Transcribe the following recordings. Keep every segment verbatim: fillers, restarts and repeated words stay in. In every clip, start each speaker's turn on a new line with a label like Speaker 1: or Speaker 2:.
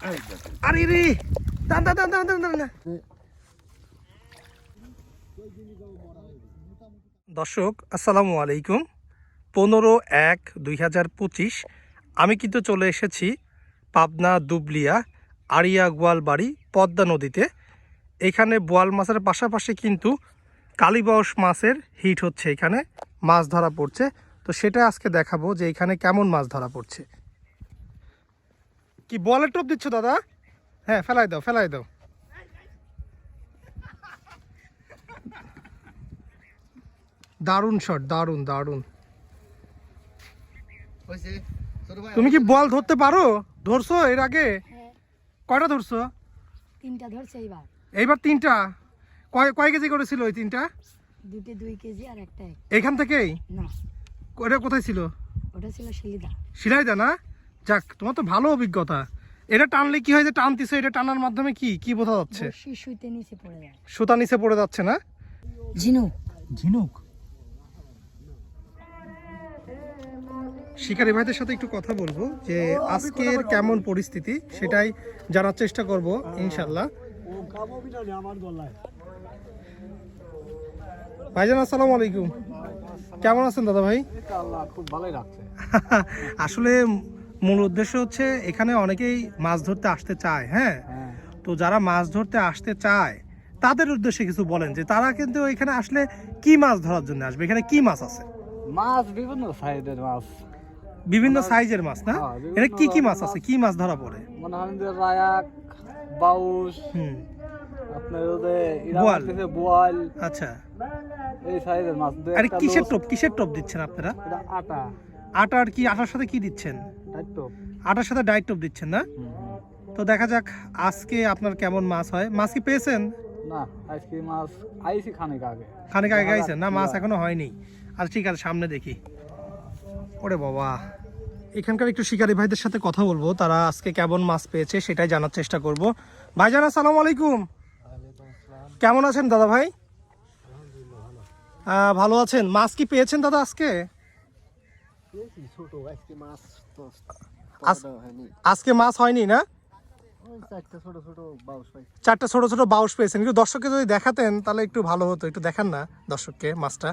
Speaker 1: আরে রে দান দান দান দান দান না। দর্শক আসসালামু আলাইকুম। পনেরো এক দুই হাজার পঁচিশ আমি কিন্তু চলে এসেছি পাবনা দুবলিয়া আড়িয়া গোয়ালবাড়ি পদ্মা নদীতে। এখানে বোয়াল মাছের পাশাপাশি কিন্তু কালীবাউস মাছের হিট হচ্ছে, এখানে মাছ ধরা পড়ছে। তো সেটা আজকে দেখাবো যে এখানে কেমন মাছ ধরা পড়ছে। কি বলের টোপ দিচ্ছ দাদা? হ্যাঁ ফেলাই দাও ফেলাই দাও। দারুণ শট, দারুণ দারুণ। তুমি কি বল ধরতে পারো? ধরছো এর আগে? কয়টা ধরছো?
Speaker 2: তিনটা ধরছে এইবার।
Speaker 1: এইবার তিনটা? কয় কয় কেজি করেছিল ওই তিনটা?
Speaker 2: দুটো দুই কেজি আর একটা এক।
Speaker 1: এখান থেকেই?
Speaker 2: না,
Speaker 1: ওটা কোথায় ছিল?
Speaker 2: ওটা ছিল শিলিদা।
Speaker 1: শিলাইদা না? যাক, তোমার তো ভালো অভিজ্ঞতা। এটা টানলে কি হয় যে টানতিছো, এটা টানার মাধ্যমে কি কি বোঝা যাচ্ছে?
Speaker 2: বড়শি সুইতে নিচে পড়ে যায়।
Speaker 1: সুতা নিচে পড়ে যাচ্ছে না?
Speaker 2: ঝিনুক।
Speaker 1: ঝিনুক। শিকারী ভাইদের সাথে একটু কথা বলবো যে আজকের কেমন পরিস্থিতি সেটাই জানার চেষ্টা করব ইনশাল্লাহ। ভাইজান আসসালামু আলাইকুম, কেমন আছেন দাদা ভাই?
Speaker 3: খুব ভালোই লাগছে।
Speaker 1: আসলে মূল উদ্দেশ্য হচ্ছে এখানে অনেকেই মাছ ধরতে আসতে চায়। হ্যাঁ, তো যারা মাছ ধরতে আসতে চায় তাদের উদ্দেশ্যে কিছু বলেন যে তারা কিন্তু এখানে আসলে কি মাছ ধরার জন্য আসবে, এখানে কি মাছ আছে?
Speaker 3: মাছ বিভিন্ন সাইজের মাছ,
Speaker 1: বিভিন্ন সাইজের মাছ না? এটা কি কি মাছ আছে, কি মাছ ধরা পড়ে?
Speaker 3: মনে হয় যে রায়াক, বাউস,
Speaker 1: হুম,
Speaker 3: আপনার ওদের
Speaker 1: বোয়াল।
Speaker 3: বোয়াল,
Speaker 1: আচ্ছা।
Speaker 3: এই সাইজের মাছ।
Speaker 1: আরে কিসের টোপ, কিসের টোপ দিচ্ছেন আপনারা?
Speaker 3: এটা আটা।
Speaker 1: আটার কি, আটার সাথে কি দিচ্ছেন?
Speaker 3: তাই তো।
Speaker 1: আটার সাথে ডাইট টোপ দিচ্ছেন না? তো দেখা যাক আজকে আপনার কেমন মাছ হয়। মাছ কি পেয়েছেন?
Speaker 3: না, আজকে মাছ আইছি খানিক আগে।
Speaker 1: খানিক আগে গাইছেন না? মাছ এখনো হয়নি। আর ঠিক আছে, সামনে দেখি। ওরে বাবা, এখানকার একটু শিকারী ভাইদের সাথে কথা বলবো, তারা আজকে কেমন মাছ পেয়েছে সেটাই জানার চেষ্টা করব। ভাইজান আসসালামু আলাইকুম, কেমন আছেন দাদা ভাই? আহ, ভালো আছেন। মাছ কি পেয়েছেন দাদা আজকে? আজকে মাছ হয়নি না? চারটা ছোট ছোট বাউস পেয়েছেন। একটু দর্শককে যদি দেখাতেন তাহলে একটু ভালো হতো। একটু দেখান না দর্শককে মাছটা।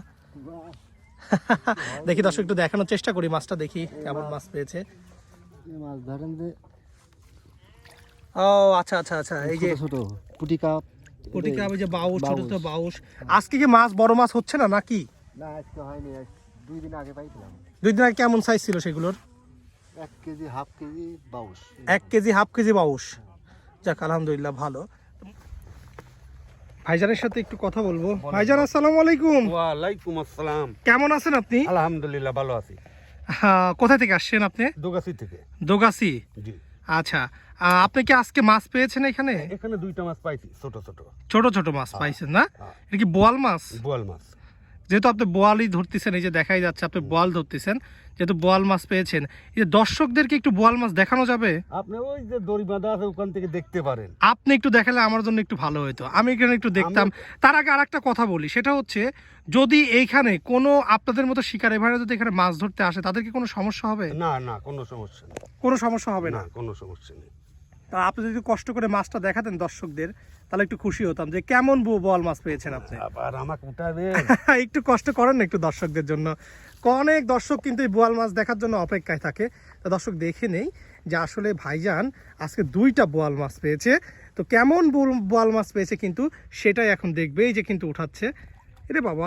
Speaker 1: দেখি দর্শক, একটু দেখানোর চেষ্টা করি মাছটা, দেখি কেমন মাছ পেয়েছে।
Speaker 3: মাছ ধরেন যে
Speaker 1: ও আচ্ছা আচ্ছা আচ্ছা, এই যে
Speaker 3: ছোট পুটি কাপ,
Speaker 1: পুটি কাপ, এই যে বাউস, ছোট ছোট বাউস। আজকে কি মাছ বড় মাছ হচ্ছে না নাকি?
Speaker 3: না, আজকে হয়নি। দুই দিন আগে পাইছিলাম।
Speaker 1: দুই দিন আগে কেমন সাইজ ছিল সেগুলোর?
Speaker 3: এক কেজি হাফ কেজি বাউস।
Speaker 1: এক কেজি হাফ কেজি বাউস। যাক আলহামদুলিল্লাহ, ভালো। ভাইজানের সাথে একটু কথা বলবো। ভাইজান আসসালামু আলাইকুম।
Speaker 4: ওয়ালাইকুম আসসালাম।
Speaker 1: কেমন আছেন আপনি?
Speaker 4: আলহামদুলিল্লাহ ভালো আছি।
Speaker 1: হ্যাঁ, কোথা থেকে আসছেন আপনি?
Speaker 4: দোগাছি থেকে।
Speaker 1: দোগাছি।
Speaker 4: জি।
Speaker 1: আচ্ছা, আহ, আপনি কি আজকে মাছ পেয়েছেন এখানে?
Speaker 4: এখানে দুইটা মাছ পাইছি, ছোট ছোট
Speaker 1: ছোট ছোট মাছ পাইছেন না? এটা কি বোয়াল মাছ?
Speaker 4: বোয়াল মাছ।
Speaker 1: যেহেতু আপনি বোয়ালই ধরতেছেন, এই যে দেখাই যাচ্ছে আপনি বোয়াল ধরতেছেন, যেহেতু বোয়াল মাছ পেয়েছেন, এই যে দর্শকদেরকে একটু বোয়াল মাছ দেখানো যাবে?
Speaker 4: আপনি ওই যে দড়ি বাঁধা আছে ওখান থেকে দেখতে পারেন।
Speaker 1: আপনি একটু দেখালে আমার জন্য একটু ভালো হতো, আমি এখানে একটু দেখতাম। তার আগে আর একটা কথা বলি, সেটা হচ্ছে যদি এইখানে কোনো আপনাদের মতো শিকারী ভাইরা যদি এখানে মাছ ধরতে আসে তাদের কি কোনো সমস্যা হবে?
Speaker 4: না না, কোনো সমস্যা নেই।
Speaker 1: কোনো সমস্যা হবে না?
Speaker 4: না, কোনো সমস্যা নেই।
Speaker 1: তা আপনি যদি কষ্ট করে মাছটা দেখাতেন দর্শকদের তাহলে একটু খুশি হতাম যে কেমন বোয়াল মাছ পেয়েছেন আপনি।
Speaker 4: আবার আমাকে উঠাবে।
Speaker 1: একটু কষ্ট করেন না একটু দর্শকদের জন্য। অনেক দর্শক কিন্তু এই বোয়াল মাছ দেখার জন্য অপেক্ষায় থাকে। তা দর্শক দেখে নেই যে আসলে ভাইজান আজকে দুইটা বোয়াল মাছ পেয়েছে। তো কেমন বোয়াল মাছ পেয়েছে কিন্তু সেটাই এখন দেখবে। এই যে কিন্তু উঠাচ্ছে। এরে বাবা,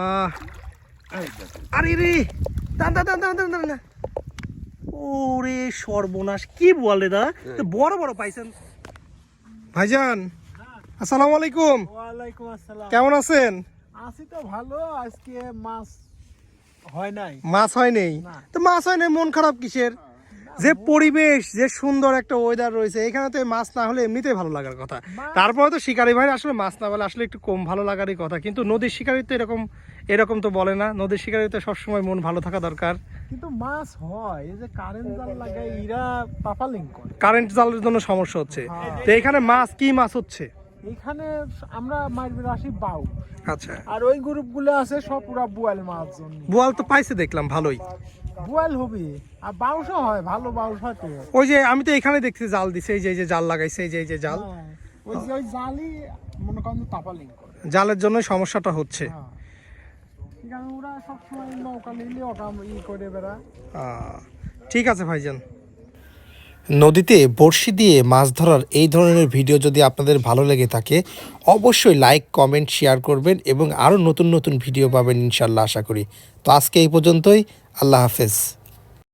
Speaker 1: আরে রে দান দান দান দান দান না। ওরে সর্বনাশ, কি বোয়াল রে দা, বড় বড় পাইছেন। ভাইজান আসসালামু আলাইকুম।
Speaker 5: ওয়ালাইকুম আসসালাম।
Speaker 1: কেমন আছেন?
Speaker 5: আছি তো ভালো। আজকে মাছ হয় নাই।
Speaker 1: মাছ হয় নেই? তো মাছ হয় নাই মন খারাপ কিসের? যে পরিবেশ, যে সুন্দর একটা ওয়েদার রয়েছে এখানে, তো মাছ না হলে এমনিতেই ভালো লাগার কথা। তারপরে তো শিকারী ভাই আসলে মাছ না বলে আসলে একটু কম ভালো লাগারই কথা। কিন্তু নদীর শিকারী তো এরকম এরকম তো বলে না। নদীর শিকারী তো সবসময় মন ভালো থাকা দরকার।
Speaker 5: কিন্তু মাছ হয়, এই যে কারেন্ট জাল লাগায় এরা পাপালিং করে।
Speaker 1: কারেন্ট জালের জন্য সমস্যা হচ্ছে। তো এখানে মাছ কি মাছ হচ্ছে?
Speaker 5: এখানে আমরা মারবে আসি বাউ।
Speaker 1: আচ্ছা,
Speaker 5: আর ওই গ্রুপগুলো আছে সব পুরা বোয়াল মাছ জন্য।
Speaker 1: বোয়াল তো পাইছে দেখলাম ভালোই।
Speaker 5: বোয়াল হবে আর বাউসও হয়, ভালো বাউস হয় তো।
Speaker 1: ওই যে আমি তো এখানে দেখছি জাল দিছে, এই যে এই যে জাল লাগাইছে, এই যে এই যে জাল,
Speaker 5: হ্যাঁ, ওই যে ওই জালই মনে করেন যে তাপালিং করে।
Speaker 1: জালের জন্য সমস্যাটা হচ্ছে।
Speaker 5: হ্যাঁ, কারণ ওরা সবসময় নৌকা নিলে ওটা ই করে বেড়া।
Speaker 1: আহ, ঠিক আছে ভাইজান। নদীতে বড়শি দিয়ে মাছ ধরার এই ধরনের ভিডিও যদি আপনাদের ভালো লেগে থাকে অবশ্যই লাইক কমেন্ট শেয়ার করবেন এবং আরও নতুন নতুন ভিডিও পাবেন ইনশাল্লাহ আশা করি। তো আজকে এই পর্যন্তই, আল্লাহ হাফেজ।